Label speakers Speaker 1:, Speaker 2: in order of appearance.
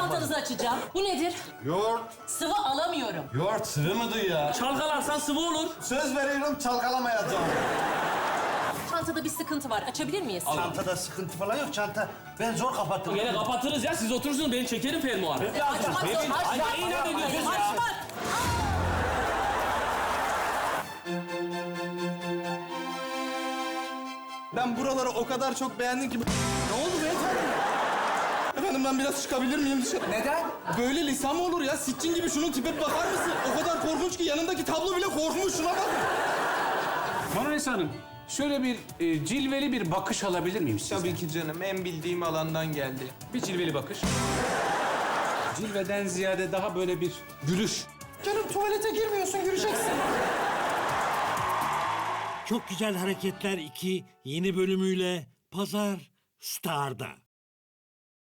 Speaker 1: çantanızı açacağım. Bu nedir?
Speaker 2: Yoğurt.
Speaker 1: Sıvı alamıyorum.
Speaker 2: Yoğurt sıvı mıdır ya?
Speaker 3: Çalkalarsan sıvı olur.
Speaker 2: Söz veriyorum çalkalamayacağım.
Speaker 1: Çantada bir sıkıntı var. Açabilir miyiz?
Speaker 4: Çantada sıkıntı falan yok. Çanta ben zor kapattım.
Speaker 3: Yine kapatırız ya. Siz oturursunuz, ben çekerim fermuarı.
Speaker 1: Açmak zor. Açmak.
Speaker 3: Ay, inat ediyorsunuz ya.
Speaker 1: Açmak.
Speaker 5: Ben buraları o kadar çok beğendim ki... Ne oldu beyefendi? Efendim ben biraz çıkabilir miyim dışarı?
Speaker 6: Neden?
Speaker 5: Böyle lisan mı olur ya? Sitcin gibi şunun tipe bir bakar mısın? O kadar korkunç ki yanındaki tablo bile korkmuş. Şuna bak.
Speaker 7: Manolesi Hanım, şöyle bir cilveli bir bakış alabilir miyim sizden?
Speaker 6: Tabii ki canım. En bildiğim alandan geldi.
Speaker 7: Bir cilveli bakış. Cilveden ziyade daha böyle bir gülüş.
Speaker 5: Canım tuvalete girmiyorsun, göreceksin.
Speaker 8: Çok Güzel Hareketler 2 yeni bölümüyle Pazar Star'da.